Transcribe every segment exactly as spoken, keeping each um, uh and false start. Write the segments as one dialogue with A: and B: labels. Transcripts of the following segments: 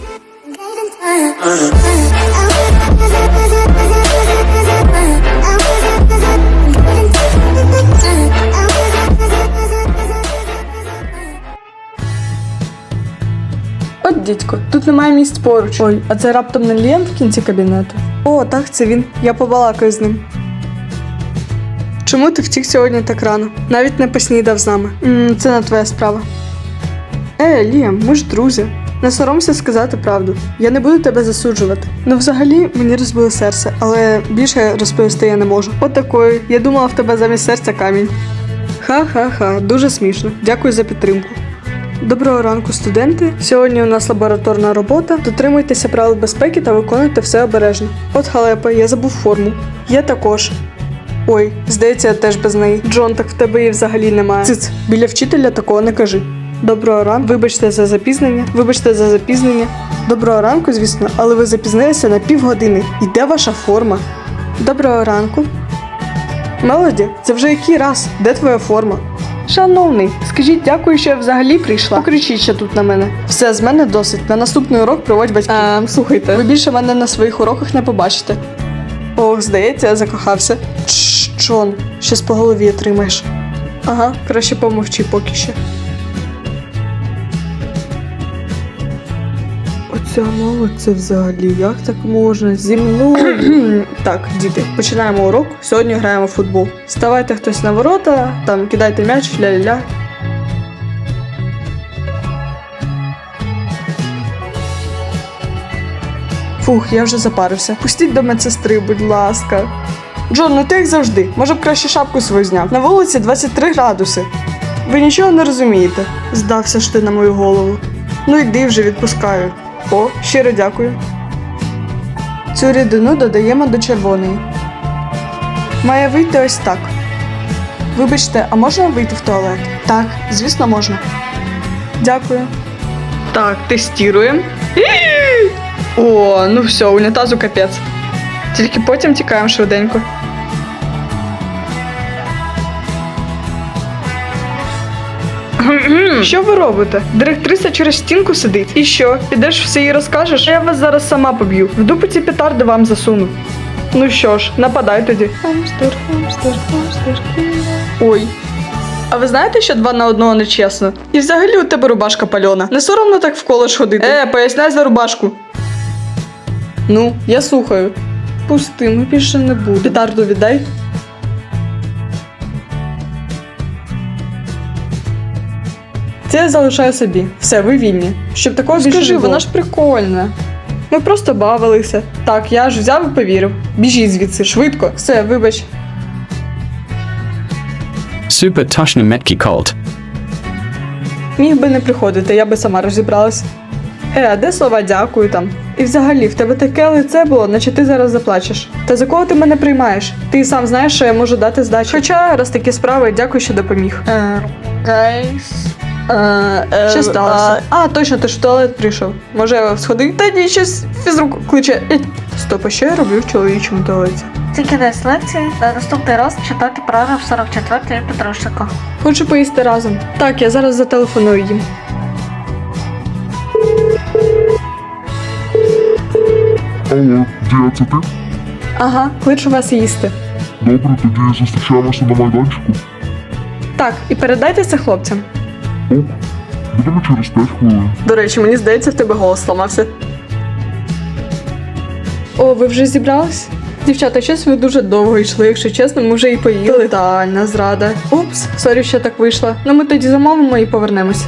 A: От, дідько, тут немає місць поруч. Ой, а це раптом не Ліам в кінці кабінету? О, так, це він. Я побалакаю з ним. Чому ти втік сьогодні так рано? Навіть не поснідав з нами. М, це не твоя справа. Е, Ліам, ми ж друзі. Не соромся сказати правду. Я не буду тебе засуджувати. Ну, взагалі, мені розбили серце, але більше розповісти я не можу. От такої. Я думала в тебе замість серця камінь. Ха-ха-ха, дуже смішно. Дякую за підтримку. Доброго ранку, студенти. Сьогодні у нас лабораторна робота. Дотримуйтеся правил безпеки та виконуйте все обережно. От халепа, я забув форму. Я також. Ой, здається, я теж без неї. Джон, так в тебе її взагалі немає. Циц, біля вчителя такого не кажи. Доброго ранку. Вибачте за запізнення. Вибачте за запізнення. Доброго ранку, звісно, але ви запізнилися на півгодини. І де ваша форма? Доброго ранку. Мелоді, це вже який раз? Де твоя форма? Шановний, скажіть дякую, що я взагалі прийшла. Покричіть ще тут на мене. Все, з мене досить. На наступний урок проводь батьків. Ем, слухайте, ви більше мене на своїх уроках не побачите. Ох, здається, я закохався. Чш, Джон, щось по голові отримаєш. Ага, краще помовчи поки що. Оця мова, це взагалі, як так можна? Зі мною? Так, діти, починаємо урок. Сьогодні граємо в футбол. Ставайте хтось на ворота, там кидайте м'яч, ля-ля-ля. Фух, я вже запарився. Пустіть до медсестри, будь ласка. Джон, ну ти як завжди. Може б краще шапку свою зняв. На вулиці двадцять три градуси. Ви нічого не розумієте. Здався ж ти на мою голову. Ну йди вже, відпускаю. О, щиро дякую. Цю рідину додаємо до червоної. Має вийти ось так. Вибачте, а можна вийти в туалет? Так, звісно, можна. Дякую. Так, тестуємо. О, ну все, унітазу капець. Тільки потім тікаємо швиденько. Що ви робите? Директриса через стінку сидить. І що? Підеш все їй розкажеш? Я вас зараз сама поб'ю. В дупу ці петарди вам засуну. Ну що ж, нападай тоді. Хамстер, хамстер, хамстер. Ой. А ви знаєте, що два на одного не чесно? І взагалі у тебе рубашка пальона. Не соромно так в коледж ходити? Е, поясняй за рубашку. Ну, я слухаю. Пусти, ми більше не будемо. Петарду віддай. Це я залишаю собі. Все, ви вільні. Щоб такого більше не було. Вона ж прикольна. Ми просто бавилися. Так, я ж взяв і повірив. Біжіть звідси, швидко. Все, вибач.
B: Super точно меткий колд.
A: Міг би не приходити, я би сама розібралась. Е, а де слова дякую там? І взагалі, в тебе таке лице було, наче ти зараз заплачеш. Та за кого ти мене приймаєш? Ти сам знаєш, що я можу дати здачу. Хоча, раз такі справи, дякую, що допоміг. Е, гайс. Е, що сталося? А, точно, ти ж в туалет прийшов. Може, сходи? Та ні, щось фізрук кличе. Стоп, а що я роблю в чоловічому туалеті?
C: Це кінець лекції. Наступний раз читати параграф сорок четвертий підручника.
A: Хочу поїсти разом. Так, я зараз зателефоную їм.
D: Алло, Дія, це ти?
A: Ага, кличу вас їсти.
D: Добре, тоді зустрічаємося на майданчику.
A: Так, і передайте це хлопцям.
D: Ок, будемо через п'ять хвилин.
A: До речі, мені здається, в тебе голос зламався. О, ви вже зібрались? Дівчата, щось ви дуже довго йшли, якщо чесно, ми вже і поїли. Тотальна зрада. Упс, сорі, що так вийшло. Ну ми тоді замовимо і повернемось.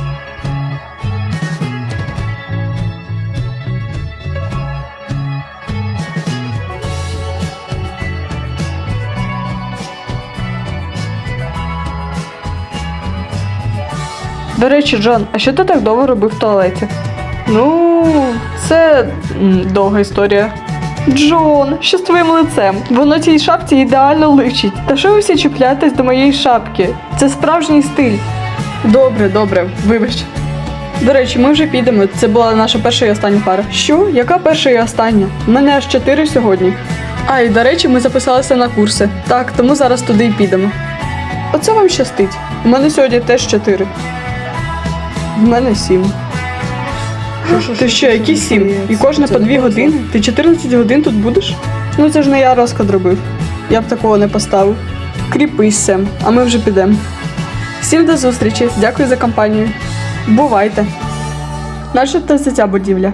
A: До речі, Джон, а що ти так довго робив в туалеті? Ну, це м, довга історія. Джон, що з твоїм лицем? Воно цій шапці ідеально личить. Та що ви всі чіпляєтесь до моєї шапки? Це справжній стиль. Добре, добре, вибач. До речі, ми вже підемо. Це була наша перша і остання пара. Що? Яка перша і остання? У мене аж чотири сьогодні. А, і до речі, ми записалися на курси. Так, тому зараз туди й підемо. Оце вам щастить. У мене сьогодні теж чотири. В мене сім. Ти що, які сім? І кожна по дві години? Ти чотирнадцять годин тут будеш? Ну це ж не я розклад робив. Я б такого не поставив. Кріпись, Сем, а ми вже підемо. Всім до зустрічі, дякую за компанію. Бувайте. Наша та ця будівля.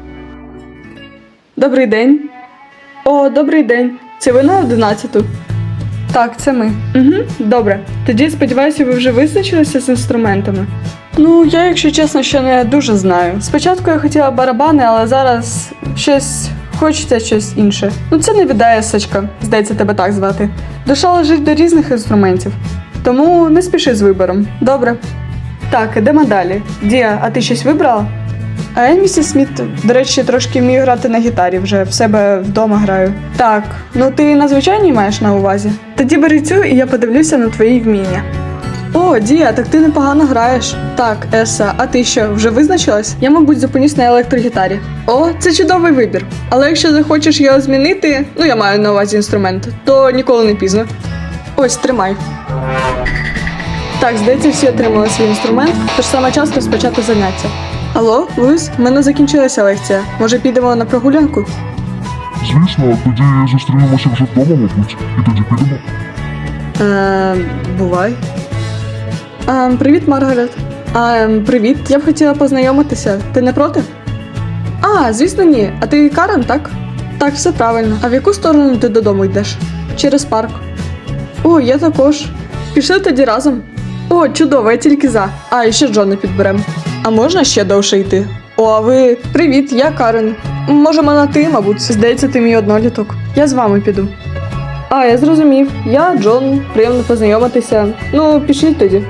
A: Добрий день. О, добрий день. Це ви на одинадцяту? Так, це ми. Угу, добре. Тоді, сподіваюся, ви вже визначилися з інструментами. Ну, я, якщо чесно, ще не дуже знаю. Спочатку я хотіла барабани, але зараз щось хочеться щось інше. Ну, це не віддає Сачка, здається, тебе так звати. Душа лежить до різних інструментів. Тому не спіши з вибором. Добре. Так, ідемо далі. Дія, а ти щось вибрала? А я, місіс Сміт, до речі, трошки вмію грати на гітарі, вже в себе вдома граю. Так, ну ти на звичайній маєш на увазі? Тоді бери цю і я подивлюся на твої вміння. О, Дія, так ти непогано граєш. Так, Еса, а ти що, вже визначилась? Я, мабуть, зупинюсь на електрогітарі. О, це чудовий вибір. Але якщо захочеш його змінити, ну я маю на увазі інструмент, то ніколи не пізно. Ось, тримай. Так, здається, всі отримали свій інструмент, тож саме час розпочати заняття. Алло, Луїс, в мене закінчилася лекція. Може, підемо на прогулянку?
D: Звісно, тоді зустрінемося вже вдома, мабуть, і тоді підемо.
A: Е, бувай. Е, привіт, Маргарет. Е, привіт. Я б хотіла познайомитися. Ти не проти? А, звісно, ні. А ти Карен, так? Так, все правильно. А в яку сторону ти додому йдеш? Через парк. О, я також. Пішли тоді разом. О, чудово, я тільки за. А, і ще Джона підберем. А можна ще довше йти? О, а ви... Привіт, я Карен. Можемо на ти, мабуть. Здається, ти мій одноліток. Я з вами піду. А, я зрозумів. Я Джон. Приємно познайомитися. Ну, пішліть тоді.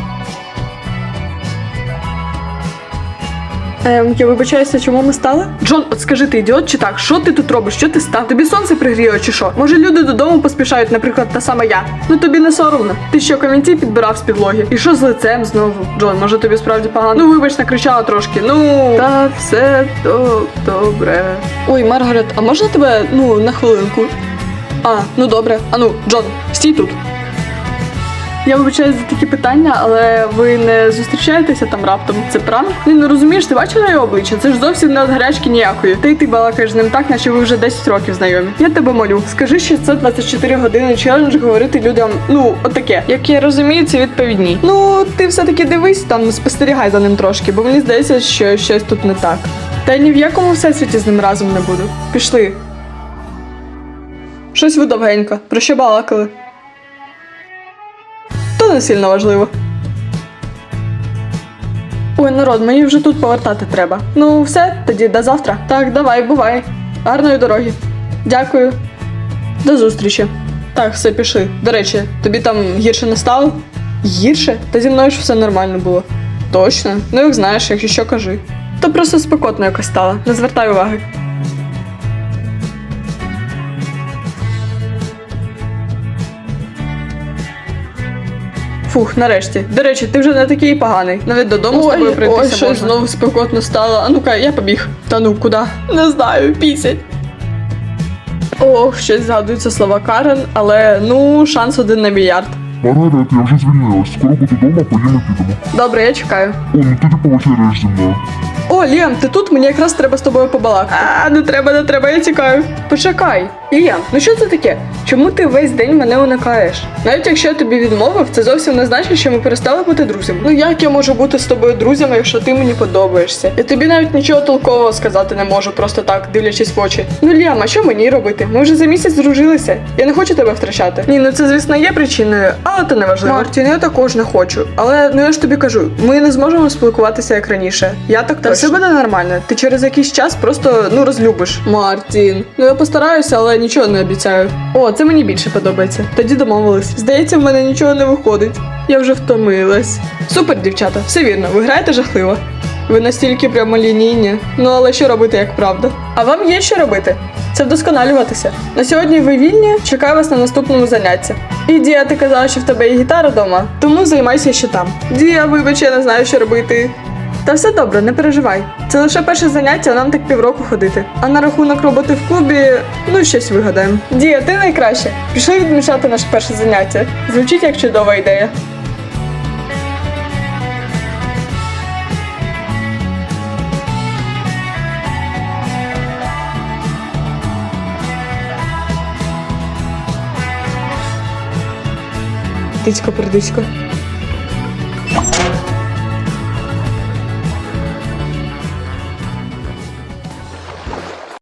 A: Ем, я вибачаюся, чому ми стали? Джон, от скажи, ти ідіот чи так? Що ти тут робиш? Що ти став? Тобі сонце пригріло чи що? Може, люди додому поспішають, наприклад, та сама я. Ну тобі не соромно. Ти що, камінці підбирав з підлоги? І що з лицем знову? Джон, може тобі справді погано? Ну вибач, накричала трошки. Ну, та все то добре. Ой, Маргарет, а можна тебе, ну, на хвилинку? А, ну добре. А ну, Джон, стій тут. Я вибачаю за такі питання, але ви не зустрічаєтеся там раптом? Це пранк? Ні, ну розумієш, ти бачила його обличчя? Це ж зовсім не від гарячки ніякої. Та й ти балакаєш з ним так, наче ви вже десять років знайомі. Я тебе молю. Скажи, що це двадцять чотири години челендж говорити людям, ну, отаке. Як я розумію, це відповідні. Ну, ти все-таки дивись там, спостерігай за ним трошки, бо мені здається, що щось тут не так. Та й ні в якому всесвіті з ним разом не буду. Пішли. Щось ви довгенько. Про що балакали? То не сильно важливо. Ой, народ, мені вже тут повертати треба. Ну, все, тоді до завтра. Так, давай, бувай. Гарної дороги. Дякую. До зустрічі. Так, все, пішли. До речі, тобі там гірше не стало? Гірше? Та зі мною ж все нормально було. Точно? Ну, як знаєш, якщо що, кажи. То просто спекотно якось стало. Не звертай уваги. Фух, нарешті. До речі, ти вже не такий поганий. Навіть додому ой, з тобою прийтися можна. Ой, щось знову спекотно стало. А ну-ка, я побіг. Та ну, куди? Не знаю, пісять. Ох, щось згадуються слова Карен, але, ну, шанс один на мільярд.
D: Маргарет, я вже звільнилась. Скоро буду вдома, поїмо підемо.
A: Добре, я чекаю.
D: О, ну тоді повечеряєш зі мною.
A: О, Ліам, ти тут? Мені якраз треба з тобою побалакати. А, не треба, не треба, я тікаю. Почекай. Ліам, ну що це таке? Чому ти весь день мене уникаєш? Навіть якщо я тобі відмовив, це зовсім не значить, що ми перестали бути друзями. Ну як я можу бути з тобою друзями, якщо ти мені подобаєшся? Я тобі навіть нічого толкового сказати не можу, просто так, дивлячись в очі. Ну, Ліам, а що мені робити? Ми вже за місяць здружилися. Я не хочу тебе втрачати. Ні, ну це, звісно, є причиною, але це не важливо. Мартін, я також не хочу. Але, ну я ж тобі кажу, ми не зможемо спілкуватися як раніше. Я так Та все буде нормально. Ти через якийсь час просто, ну, розлюбиш. Мартін. Ну я постараюся, але нічого не обіцяю. О, це мені більше подобається. Тоді домовились. Здається, в мене нічого не виходить. Я вже втомилась. Супер, дівчата, все вірно, ви граєте жахливо. Ви настільки прямолінійні. Ну, але що робити, як правда? А вам є що робити? Це вдосконалюватися. На сьогодні ви вільні, чекаю вас на наступному занятті. І Дія, ти казала, що в тебе є гітара вдома, тому займайся ще там. Дія, вибач, я не знаю, що робити. Та все добре, не переживай. Це лише перше заняття, а нам так півроку ходити. А на рахунок роботи в клубі, ну щось вигадаємо. Дія, ти найкраще. Пішли відмічати наше перше заняття. Звучить як чудова ідея. Тицько, пердисько.